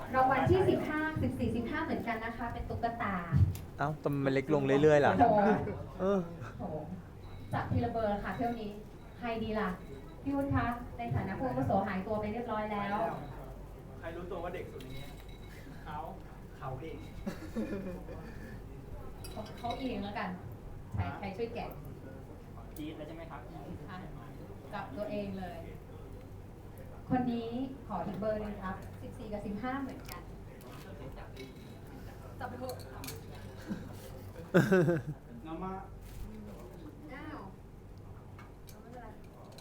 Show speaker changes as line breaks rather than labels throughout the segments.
รางวัลที่15 14 15เหมือนกันนะคะ เป็นตุ๊กตา
เอ้าแต่มันเล็กลงเรื่อยๆล่ะ
โอ้โห
เออ
โอ้โหจับทีละเบอร์ค่ะเที่ยวนี้ใครดีล่ะพี่วุฒิคะในฐานะผู้อาวุโสหายตัวไปเรียบร้อยแล้ว
ใครรู้ตัวว่าเด็กสุดในนี้เขาเอง
เขาเองแล้วกันใครช่วยแกะ
จี๊ดแล้วใช่ไหมครับ
อ่ะกับตัวเองเลย คนนี้ขออีกเบอร์หนึงครับ14กับ15เหมือนกันจับไปเถอะ
น้ำมา
อ้าวเอาไม่เป็นไร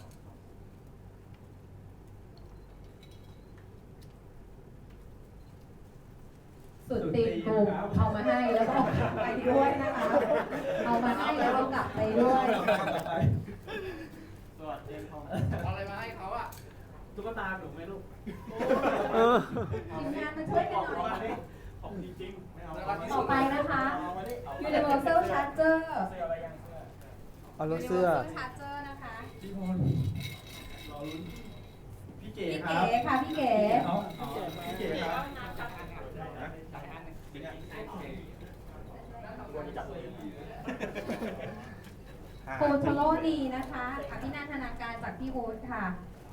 สุดตีนกลุ่มเอามาให้แล้วก็เอากลับไปด้วยนะคะ เอามาให้แล้วเอากลับไปด้วย
สวัสดีครับ
เอาอะไรมาให้เขาอ่ะ
ตุ๊กตาหนูไหมลูก
เออ
ทีมงานมาช่วยกันหน่อย
ของจริงๆไม่เอา
ต่อไปนะคะ Universal Charger
เสื้ออะไรยังเสื้อ
เอารถเสื้อ
Universal Charger นะคะ
พี่พลรอลุ้นพี่เก๋
พี่
ครั
เก๋
บ
ค่ะพี่เก๋
พี่เก๋ครับควรจับเลย
โคโทโรดีนะคะอภินันทนาการจากพี่วูดค่ะ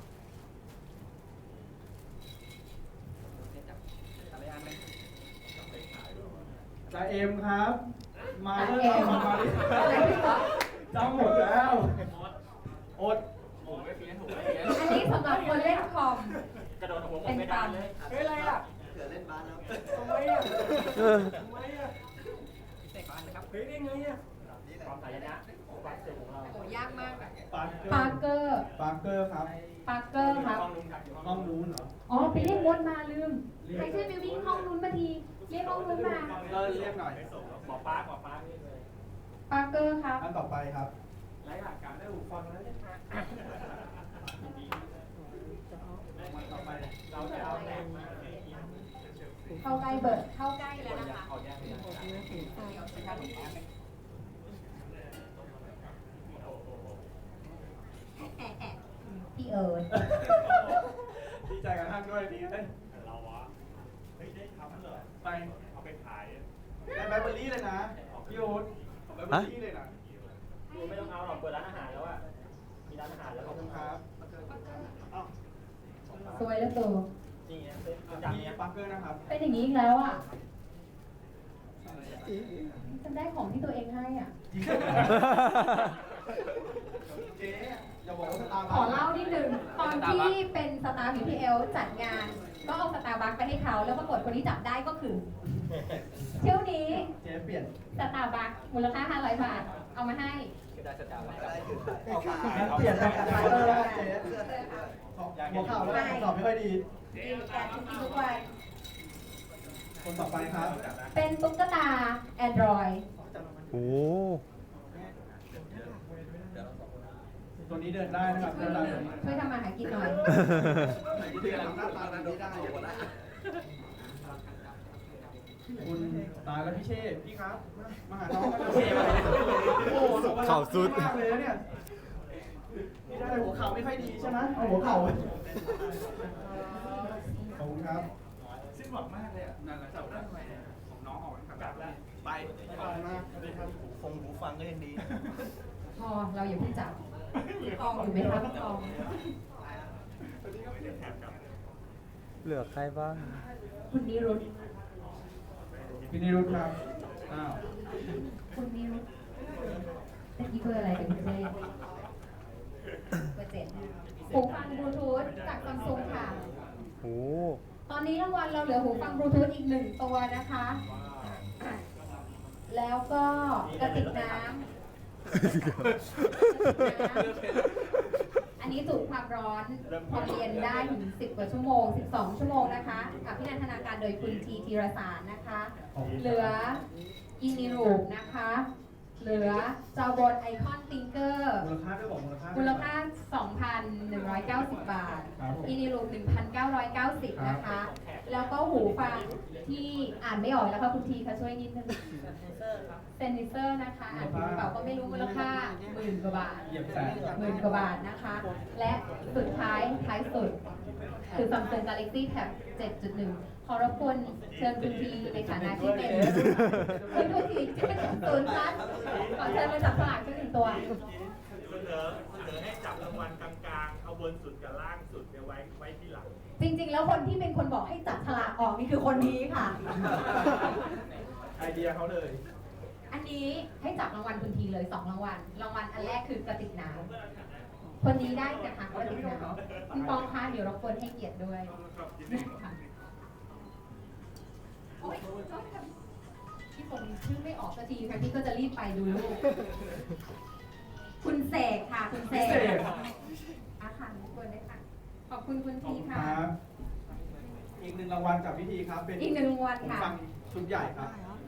จ่าเอ็มครับ มา
จ่า
เรื่
เอ็
อง
ม
มาดิ
อะไรพี่ก๊อฟ
จำหมดแล้วอด
อันนี้สำหรับคนเล่นคอม
กระโดดหัว
เป็นตาม
เฮ้ยอะไรอ่ะ
เผื่อเล่นบาสแล้ว
ทำไมอ่ะ
เออ
ทำไมอ่ะพิเศษบ้านนะครับเฮ้ยได้ไงอ่ะความสายนะความเจ๋งของเรา
โอ้ยากมากอะ
ปา
ปาร์เกอร์
ร์เกอร์ครับ
ปาร์เกอร์ครับ
ห้องนู้นเหรอ
อ๋อไปเรียกมดมาลืม ใครช่วยไปวิ่งห้องนู้นมาที เรียกห้องนู้นมา
ก็เรียกหน่อยหมอปาร์นี่เลย
ปาร์เกอร์ครับ
อันต่อไปครับรายหลักการได้หูฟังแล้วเนี่ยมันต่อไปเราจะเอาแรง
เข้าใกล้เบิร์ดเข้าใกล้แล้วนะคะ
เอาแยกไป
พี่เอิร์ด
ดีใจกับท่านด้วยดีได้
เราวะเฮ้ยได้ทำเหรอ
ไป
เอาไปขาย
ได้แบตเตอรี่เลยนะพี่โอ๊ตแบตเตอรี่เลยนะไม่ต้องเอาหรอกเปิดร้านอาหารแล้วอ่ะมีร้านอาหารแล้วขอบคุณครับ
สวยแล้วตัว
นี่นะเป็นจากนี้ปักเกอร์นะครับ
เป็นอย่างนี้อีกแล้วอ่ะฉันได้ของที่ตัวเองให้อ่ะ
เจ๊อย่าบอกว่าสตาร์
ขอเล่านิดนึงตอนที่เป็นสตาร์ BPL จัดงาน ก็เอาสตาร์บัคไปให้เขาแล้วปรากฏคนที่จับได้ก็คือ เที่ยวนี้
เจ๊เปลี่ยน
สตาร์บัคมูลค่า 500 บาท เอามาให้
ได้สตาร์บัค
ได้ถือไป
เปลี่ยนเป็นปักเกอร์แล้วเจ๊
เสื้อเสื้อ
หัวเข่าแล้วสอบไม่ค่อยดี
กินกันทุกวัน
คนต่อไปครับ
เป็นตุ๊กตา Android
โอ้
ตัวนี้เดินได้นะครับ
ช่
เดิ
วย
นได้
ช่วยทำมาหากินหน่อย
ที่กำลังหน้าตาแบบนี้ได้อยู่หมดแล้ว
คุณตายแล้วพี่เช่พี่ครับ มาหาน้องโอ้โห
เข่าสุด
มากเลยนะเนี่ยนี่ได้หัวเข่าไม่ค่อยดีใช่ไหมเอาหัวเข่าขอบคุณครับ
สิ้นหวังมากเลยอ่ะนั่นแหละจับได้ทำไมเนี่ยของน้องออกกลับแล้วไป
ขอบคุณมาก
หูฟังก็ยังดี
พอเราอย่าเพิ่งจับทองอยู่ไหมครับทอง
เหลือใครบ้าง
คุณนิรุต
พี่นิรุธครับ อ้าว
คุณนิรุตตะกี้เบอร์อะไรเป็นพิเศษเบอร์7หูฟังบลูทูธจากซัมซุงค่ะ
โอ้
ตอนนี้รางวัลเราเหลือหูฟังบลูทูธอีก1ตัวนะคะ แล้วก็กระติกน้ำ อันนี้จุความร้อนพอเรียนได้ถึง10 กว่าชั่วโมง 12 ชั่วโมงนะคะกับพินันทนาการโดยคุณทีธีรสารนะคะ เหลืออินิรูปนะคะ เหลือจอบนไอคอนติงเกอร์
มูลค่าด้วยบอกมูลค่า
มูลค่า 2,190 บาท อินิรูป 1,990 นะคะแล้วก็หูฟังที่อ่านไม่ออกแล้วค่ะคุณทีค่ะช่วยนิดนึงเซนนิเซอร์นะคะอ่านผิดหรือเปล่าก็ไม่รู้มูลค่า10,000 กว่าบาท
เหยียบแสน
10,000 กว่าบาทนะคะ และสุดท้ายสุดคือ Samsung Galaxy Tab 7.1 ขอรบกวนเชิญคุณทีในฐานะที่เป็นคุณทีที่เป็นศูนย์พันขอเชิญมาจับสลากสักหนึ่งตัว
เสนอให้จับรางวัลกลางๆ เอาบนสุดกับล่างสุดเนี่ยไว้ที่หลัง
จริงๆ แล้วคนที่เป็นคนบอกให้จับฉลากออกนี่คือคนนี้ค่ะ
ไอเดียเขาเลย
อันนี้ให้จับรางวัลคุณทีเลย2 รางวัล รางวัลอันแรกคือกระติกน้ำคนนี้ได้กระถางกระติกน้ำคุณปองคะเดี๋ยวรบกวนให้เกียรติด้วยค่ะโอ๊ยพี่ผมชื่อไม่ออกสักทีค่ะพี่ก็จะรีบไปดูลูก คุณเสกค่ะ คุณเสกอาคารรบกวนด้วยค่ะ ขอบคุณคุณทีค่ะ
ครับ อีกหนึ่งรางวัลจากพิธีครับ เป็น
อีก1 รางวัล
ผม
ค่ะ
ฟังชุดใหญ่ครับ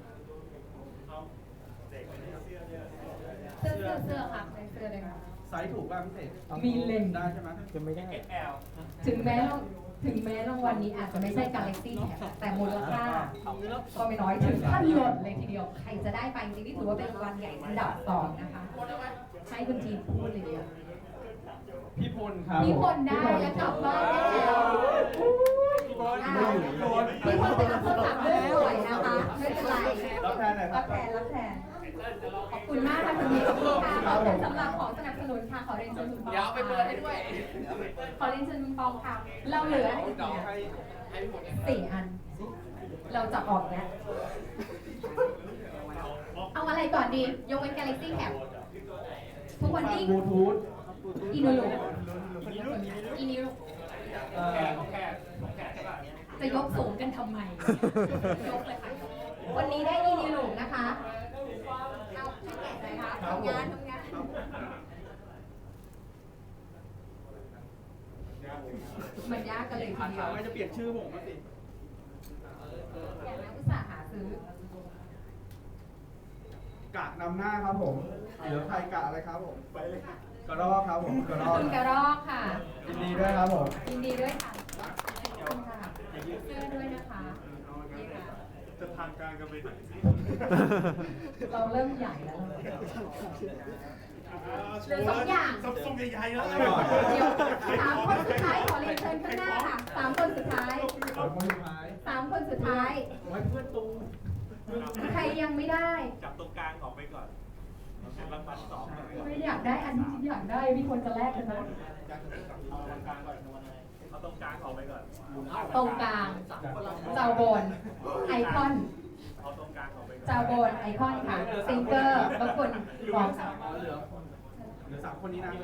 เสื้อค่ะในเสื้อเลยค่ะ
ไซส์ถูกป่ะพี่เสก
มีเลนส์
ได้ใช่ไหม
จะไม่ได้
ถึงแม้รางวัลนี้อาจจะไม่ใช่ Galaxy Tab แต่มูลค่าก็ไม่น้อยถึงขั้นหล่นเลยทีเดียว ใครจะได้ไปจริงๆนี่ถือว่าเป็นรางวัลใหญ่อันดับ2นะคะ ให้คุณทีมพูดเลยเดียว
พี่พลครับ
พี่พลได้แล้วกลับบ้านได้แล้วพี่พลเป็นรับโทรศัพท์ด้วยสวยนะคะไม่เป็นไร
รับแทนหน่อยค
รั
รั
บบ แทนขอบคุณมากค่ะคุณทีมขอบคุณค่ะขอบคุณสำหรับของสนับสนุนค่ะขอเรียนเชิญคุณปอง
เดี๋ยวเอาไปเปิดให้ด้วย
ขอเรียนเชิญคุณปองค่ะ เราเหลืออีกเนี่ย
ให้พี่หมดเนี่ย
4 อัน เราจะออกแล้วเอาอะไรก่อนดี ยกเว้น Galaxy Tab ทุกวันนี้
บลูทูธ
อินูรุอินิรุ จะยกสูงกันทำไม ยกเลยค่ะ วันนี้ได้อินิรุนะคะ เอาให้แกะหน่อยค่ะทำงานมันยากกันเลยทีเดียว
ไม่จะเปลี่ยนชื่อผมมาสิ
แกะแล้วอุตส่าห์หาซื้อ
กะนำหน้าครับผมเหลือใครกะอะไรครับผม ไปเลยกระรอกครับผมกระรอก
คุณกระรอกค่ะ
ยินดีด้วยครับผม
ยินดีด้วยค่ะขอบคุณค่ะเสื้อด้วยนะคะนี่ค่ะ
จะทางการกันไปไหนสิ
เราเริ่มใหญ่แล้วเหลือ2 อย่าง
ซัมซุงใหญ่ๆแล้ว
เดี๋ยว3 คนสุดท้ายขอเรียนเชิญข้างหน้าค่ะ3 คนสุดท้าย
ขอบคุณสุดท้าย
3 คนสุดท้าย
ไว้เพื่อนตู
ใครยังไม่ได้
จับตรงกลางออกไปก่อนเป็นรางวัล2ก่อน
ไม่อยากได้อันที่ฉันอยากได้พี่คนจะแลกกันนะ
เอาตรงกลางก่อนเอาตรงกลางออกไปก่อน
ตรงกลางเจ้าโบนไอคอน
เอาตรงกลางออกไปก่อน
เจ้าโบนไอคอนค่ะซิงเกอร์รบกวนบอก
เหลือ3 คนนี้นะ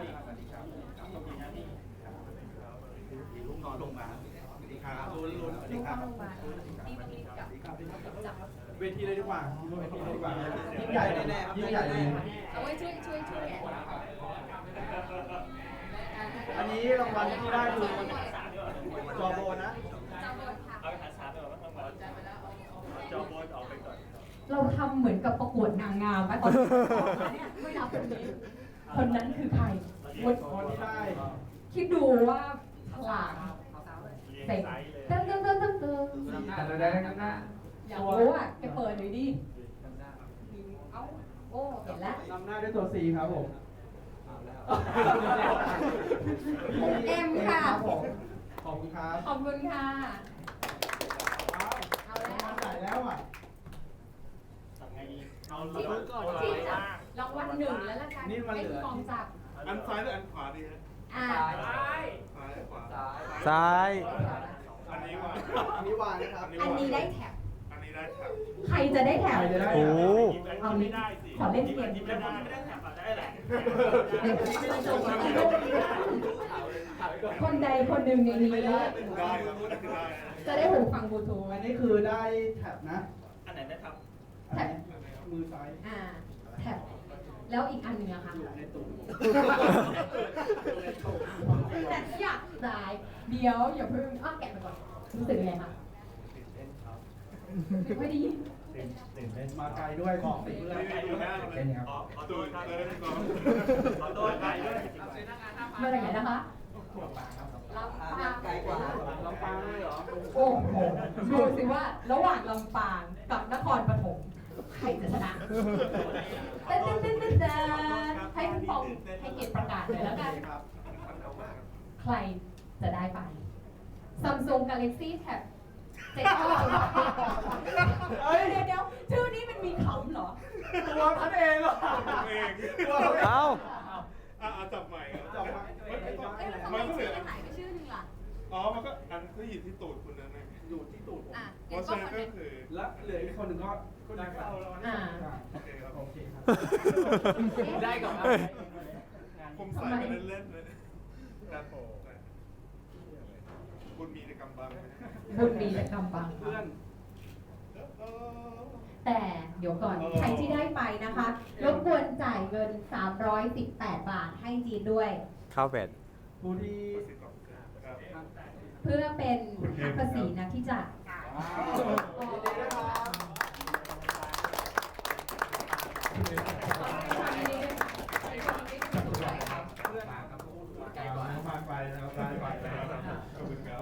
ลูกนอนลงมาสวัสดีครับลุ้นๆสวัสดี
ลูก
ครั
เข้า
บ
โรงพยาบาลรีบกับจับ
เวทีเลยดีกว่าเวทีเลยดีกว่ายิ่งใหญ่แน่ๆยิ่งใหญ่เลย
เอาไว้ช่วยแกะ
อันนี้รางวัลที่ได้คือจอโบนะ
เจ้าโบนค่ะ
เอาไปหาชาร์จไปก่อนรางวัลจอบนออกไปก่อน
เราทำเหมือนกับประกวดนางงามไหมตอนนี้เนี่ยไม่รับคนนี้ คนนั้นคือใคร
คนที่ได้
คิดดูว่าฉลาด
เรียง
เสร็จ
ไซส์เลย
เติม
แต่ได้กันนะ
อยากรู้อ่ะแกเปิดหน่อยดิเอ้าโอ้เห็นแล้ว
นำหน้าด้วยตัว C ครับผม
เอ็มค่ะ
ครับผมขอบคุณครับ
ขอบคุณค่ะ เอาแล้ว
ถ่ายแล้วอ่ะ
ทำไงดีเอา
ที่
ที่
จับรางวัล1แล้วละกัน
นี่มัน
ให้
เหลื
คุณ
อ
กองจับ
อันซ้ายหรืออันขวาดีฮะ
อ่า
ซ้ายขวา
ซ้าย
อันนี้ว่า
อันนี้วางนะครับ
อันนี้ได้แถบ
อันนี้ได้แถบ
ใครจะได้แถบ
ใครจะได้
โอ้
เอา
ไม่
นี้
ได้สิ
ขอเล่นเกม
ไม่ได้ไม่ได้แถบได้แหละ
คนใดคนหนึ่งในนี้
ได้ครับได้
จะได้หูฟังบลูทูธ
อันนี้คือได้แท็บนะ
อันไหนได้ครับ
แท็บ
มือซ้าย
อ่าแท็บแล้วอีกอันหนึ่งอะค่ะ
ในตุ่ม
แต่อยากได้เดี๋ยวอย่าเพิ่งอ้าวแกะไปก่อนรู้สึกยังไงคะไม่ดี
มาไกลด้วยบอกสิ
ไม่ได้ดูหน้าเลย
เป็นครับ
ขอตัวเลยก่อนขอตัวไกลด้วย
มาจากไหนนะคะลำปาง
ไกลกว่าลำปางเลยเหรอ
โอ้โหดูสิว่าระหว่างลำปางกับนครปฐมใครจะชนะเต้นให้คุณปองให้เกียรติประกาศเลยแล้วกัน ใครจะได้ไป Samsung Galaxy Tab 7 เดี๋ยวชื่อนี้มันมีคำเหรอ
ตัวท่านเองเหรอ
เอง
เอ้า
จับใหม่ครับ
จับมา
เอ๊ะแล้วทำไมชื่อมันหายไปชื่อหนึ่งล่ะ
อ๋อ มันก็อันก็อยู่ที่ตูดคุณนั่นเอง
อยู่ที่ตูดผม
อ่ะ
เพ
งั้
ราะ
น
ฉะ
ก็
นั้น
คน
ก็
นึง
คือ
แล้วเหลืออีกคนหนึ่งก็ได้เข้าแล้ว
อ่า
โอเคครับ
โอเคครับ
ได้ก่อนครับ
ผมใส่มาเล่นๆเลยครับผมคุณมีในกำบังไหม
บุญมีแต่กำบัง
เพื่อน
แต่เดี๋ยวก่อน ใครที่ได้ไปนะคะ รบกวนจ่ายเงิน 318 บาทให้จีนด้วย
ข้าวเป็ด
ผู้ที่
ครับ
เพื่อเป็นหักภาษีนะที่จะ
มาไปนะครับได้ไปนะครับ
ขอบคุณครับ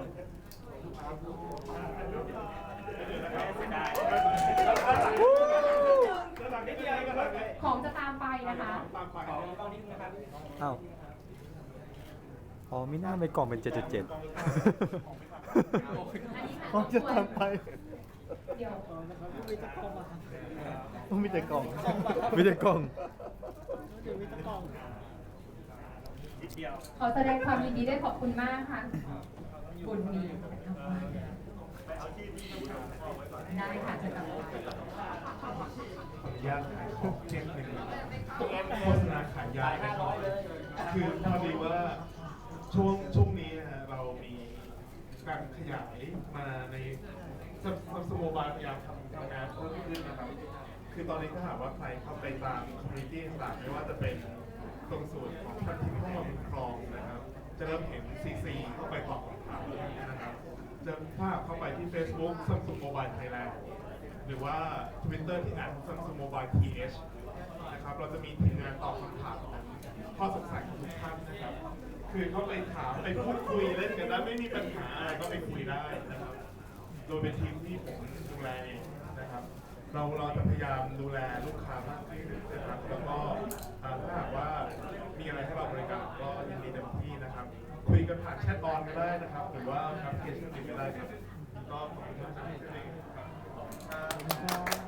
ของจะตามไปนะคะ
ตามไป
ตอนนี้นะครับ
เอ้าอ๋อมิน่าไปกล่องเป็น 7.7
อันนี้ค่ะ
อ๋อจะตามไป
เดี๋ยว
ต้องมีแต่กล่องมีแต่กล่อง
ขอแสดงความยินดีด้วยขอบคุณมากค่ะ บุญมีได้ค่ะจะกลับไป
ขออนุญาตขายของเช่นหนึ่งโฆษณาขายยานะครับคือพอดีว่าช่วงนี้นะฮะเรามีการขยายมาในสโมบายพยายามทำงานเพิ่มขึ้นนะครับ คือตอนนี้ถ้าหากว่าใครเข้าไปตามคอมมูนิตี้ต่างๆไม่ว่าจะเป็นตรงส่วนของพันทิปเข้ามาบนคลองนะครับ จะเริ่มเห็น CC เข้าไปตอบคำถามนะครับ จะถ้าเข้าไปที่ Facebook Samsung Mobile Thailand หรือว่า Twitter ที่ @Samsung Mobile TH นะครับ เราจะมีทีมงานตอบคำถามข้อสงสัยของทุกท่านนะครับ คือเข้าไปถามไปพูดคุยเล่นกันได้ไม่มีปัญหาอะไรก็ไปคุยได้นะครับ โดยเป็นทีมที่ผมดูแลเองนะครับ เราจะพยายามดูแลลูกค้ามากขึ้นนะครับ แล้วก็ถ้าหากว่ามีอะไรให้เราบริการก็ยินดีเต็มที่นะครับ คุยกันผ่านแชทออนก็ได้นะครับ หรือว่าแอปพลิเคชันอื่นก็ได้ครับก็ขอบคุณมากครับ